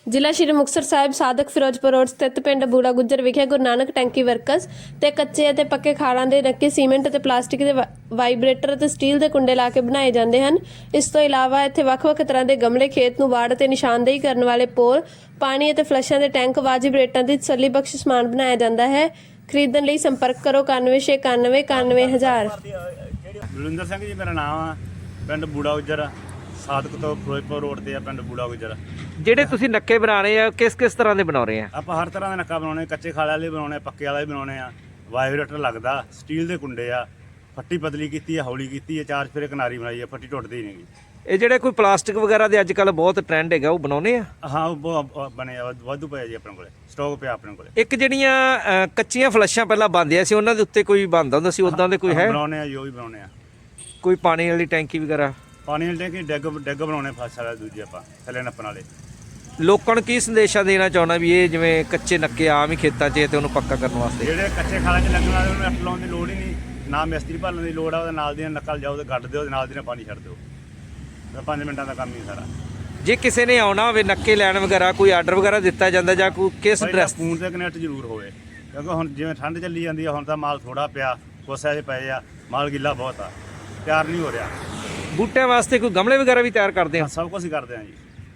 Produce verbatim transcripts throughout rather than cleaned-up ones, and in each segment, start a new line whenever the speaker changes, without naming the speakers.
ਜ਼ਿਲ੍ਹਾ ਸ਼੍ਰੀ ਮੁਕਤਸਰ ਸਾਹਿਬ ਸਾਦਕ ਫਿਰੋਜ਼ਪੁਰ ਰੋਡ ਸਥਿਤ ਪਿੰਡ ਬੂੜਾ ਗੁੱਜਰ ਵਿਖੇ ਗੁਰੂ ਨਾਨਕ ਟੈਂਕੀ ਵਰਕਰਸ ਤੇ ਕੱਚੇ ਅਤੇ ਪੱਕੇ ਖਾੜਾਂ ਦੇ ਨੱਕੇ ਸੀਮੈਂਟ ਅਤੇ ਪਲਾਸਟਿਕ ਦੇ ਵਾਈਬ੍ਰੇਟਰ ਅਤੇ ਸਟੀਲ ਦੇ ਕੁੰਡੇ ਲਾ ਕੇ ਬਣਾਏ ਜਾਂਦੇ ਹਨ। ਇਸ ਤੋਂ ਇਲਾਵਾ ਇੱਥੇ ਵੱਖ-ਵੱਖ ਤਰ੍ਹਾਂ ਦੇ ਗਮਲੇ, ਖੇਤ ਨੂੰ ਵਾੜ ਤੇ ਨਿਸ਼ਾਨਦੇਹੀ ਕਰਨ ਵਾਲੇ ਪੋਲ, ਪਾਣੀ ਅਤੇ ਫਲਸ਼ਾਂ ਦੇ ਟੈਂਕ, ਵਾਜਿਬ ਰੇਟਾਂ ਦੀ ਤਸੱਲੀ ਬਖਸ਼ ਸਮਾਨ ਬਣਾਇਆ ਜਾਂਦਾ ਹੈ। ਖਰੀਦਣ ਲਈ ਸੰਪਰਕ ਕਰੋ ਇਕਾਨਵੇਂ ਛੇ ਇਕਾਨਵੇਂ ਇਕਾਨਵੇਂ ਹਜ਼ਾਰ।
ਬਲਵਿੰਦਰ ਸਿੰਘ ਜੀ ਮੇਰਾ ਨਾਮ ਆ। ਪਿੰਡ ਬੂੜਾ ਗੁੱਜਰ, ਸਾਦਕ ਤੋਂ ਫਿਰੋਜ਼ਪੁਰ ਰੋਡ ਤੇ ਆ ਪਿੰਡ ਬੂੜਾ ਗੁੱਜਰ।
ਜਿਹੜੇ ਤੁਸੀਂ ਨੱਕੇ ਬਣਾ ਰਹੇ ਆ ਕਿਸ ਕਿਸ ਤਰ੍ਹਾਂ ਦੇ ਬਣਾ ਰਹੇ ਆ?
ਆਪਾਂ ਹਰ ਤਰ੍ਹਾਂ ਦਾ ਨੱਕਾ ਬਣਾਉਣੇ, ਕੱਚੇ ਖਾਲੇ ਵਾਲੇ ਬਣਾਉਣੇ, ਪੱਕੇ ਵਾਲੇ ਬਣਾਉਣੇ ਆ। ਵਾਈਬ੍ਰੇਟਰ ਲੱਗਦਾ, ਸਟੀਲ ਦੇ ਕੁੰਡੇ ਆ, ਫੱਟੀ ਪਤਲੀ ਕੀਤੀ ਆ, ਹੌਲੀ ਕੀਤੀ ਆ, ਚਾਰ ਫੇਰੇ ਕਿਨਾਰੀ ਬਣਾਈ ਆ, ਫੱਟੀ ਟੁੱਟਦੀ ਹੀ ਨਹੀਂਗੀ।
ਇਹ ਜਿਹੜੇ ਕੋਈ ਪਲਾਸਟਿਕ ਵਗੈਰਾ ਦੇ ਅੱਜ ਕੱਲ੍ਹ ਬਹੁਤ ਟ੍ਰੈਂਡ ਹੈਗਾ, ਉਹ ਬਣਾਉਣੇ ਆ?
ਹਾਂ ਉਹ ਬਹੁਤ ਬਣੇ ਆ, ਵਾਧੂ ਪਿਆ ਜੀ ਆਪਣੇ ਕੋਲੇ, ਸਟਾਕ ਪਿਆ ਆਪਣੇ ਕੋਲੇ।
ਇੱਕ ਜਿਹੜੀਆਂ ਅ, ਕੱਚੀਆਂ ਫਲਸ਼ਾਂ ਪਹਿਲਾਂ ਬਣਦੀਆਂ ਸੀ, ਉਹਨਾਂ ਦੇ ਉੱਤੇ ਕੋਈ ਬਣਦਾ ਹੁੰਦਾ ਸੀ, ਉਦਾਂ ਦੇ ਕੋਈ ਹੈ?
ਬਣਾਉਣੇ ਆ ਜੀ, ਉਹ ਵੀ ਬਣਾਉਣੇ ਆ।
ਕੋਈ ਪਾਣੀ ਵਾਲੀ ਟੈਂਕੀ ਵਗੈਰਾ?
ਪਾਣੀ ਵਾਲੇ ਟੈਂਕੀ ਡੈਗ ਡੈਗ ਬਣਾਉਣੇ ਫਸ ਵਾਲੇ ਦੂਜੇ ਆਪਾਂ ਥੱਲੇ ਨੱਪਣ ਵਾਲੇ।
ਲੋਕਾਂ ਨੂੰ ਕੀ ਸੰਦੇਸ਼ਾ ਦੇਣਾ ਚਾਹੁੰਦਾ ਵੀ ਇਹ ਜਿਵੇਂ ਕੱਚੇ ਨੱਕੇ ਆਮ ਹੀ ਖੇਤਾਂ 'ਚ ਤੇ ਉਹਨੂੰ ਪੱਕਾ ਕਰਨ ਵਾਸਤੇ?
ਜਿਹੜੇ ਕੱਚੇ ਖਾਲਾਂ 'ਚ ਲੱਗਣ ਵਾਲੇ ਉਹਨੂੰ ਅੱਟ ਲਾਉਣ ਦੀ ਲੋੜ ਹੀ ਨਹੀਂ, ਨਾ ਮਿਸਤਰੀ ਭਾਲਣ ਦੀ ਲੋੜ ਆ। ਉਹਦੇ ਨਾਲ ਦੀ ਨੱਕਲ ਜਾਓ ਤੇ ਗੱਡ ਦਿਓ, ਉਹਦੇ ਨਾਲ ਦੀ ਨਾਲ ਪਾਣੀ ਛੱਡ ਦਿਓ, ਪੰਜ ਮਿੰਟਾਂ ਦਾ ਕੰਮ ਹੀ ਸਾਰਾ।
ਜੇ ਕਿਸੇ ਨੇ ਆਉਣਾ ਹੋਵੇ ਨੱਕੇ ਲੈਣ ਵਗੈਰਾ, ਕੋਈ ਆਰਡਰ ਵਗੈਰਾ ਦਿੱਤਾ ਜਾਂਦਾ ਜਾਂ ਕੋਈ ਕਿਸ ਡਰੈਸ?
ਫੋਨ ਤੇ ਕਨੈਕਟ ਜ਼ਰੂਰ ਹੋਵੇ, ਕਿਉਂਕਿ ਹੁਣ ਜਿਵੇਂ ਠੰਡ ਚੱਲੀ ਜਾਂਦੀ ਆ, ਹੁਣ ਤਾਂ ਮਾਲ ਥੋੜਾ ਪਿਆ, ਕੋਸੇ 'ਚ ਪਏ ਆ, ਮਾਲ ਗਿੱਲਾ ਬਹੁਤ ਆ, ਤਿਆਰ ਨਹੀਂ ਹੋ ਰਿਹਾ।
ਬੂਟਿਆਂ ਵਾਸਤੇ ਕੋਈ ਗਮਲੇ ਵਗੈਰਾ ਵੀ ਤਿਆਰ ਕਰਦੇ ਆ?
ਸਭ ਕੁਝ ਹੀ ਕਰਦੇ ਆ ਜੀ।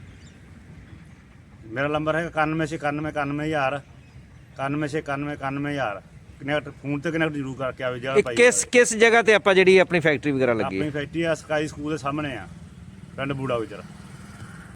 ਮੇਰਾ ਨੰਬਰ ਹੈ ਇਕਾਨਵੇਂ ਛੇ ਇਕਾਨਵੇਂ ਇਕਾਨਵੇਂ ਹਜ਼ਾਰ, ਇਕਾਨਵੇਂ ਛੇ ਇਕਾਨਵੇਂ ਇਕਾਨਵੇਂ ਹਜ਼ਾਰ। ਕਨੈਕਟ ਫੋਨ ਤੇ ਕਨੈਕਟ ਜ਼ਰੂਰ ਕਰਕੇ ਆਵੇ। ਜਿਹੜਾ ਭਾਈ
ਕਿਸ ਕਿਸ ਜਗ੍ਹਾ ਤੇ ਆਪਾਂ ਜਿਹੜੀ ਆਪਣੀ ਫੈਕਟਰੀ ਵਗੈਰਾ ਲੱਗੀ
ਆਪਣੀ
ਹੈ?
ਫੈਕਟਰੀ ਆ ਸਕਾਈ ਸਕੂਲ ਦੇ ਸਾਹਮਣੇ ਆ, ਪਿੰਡ ਬੂੜਾ ਗੁੱਜਰ।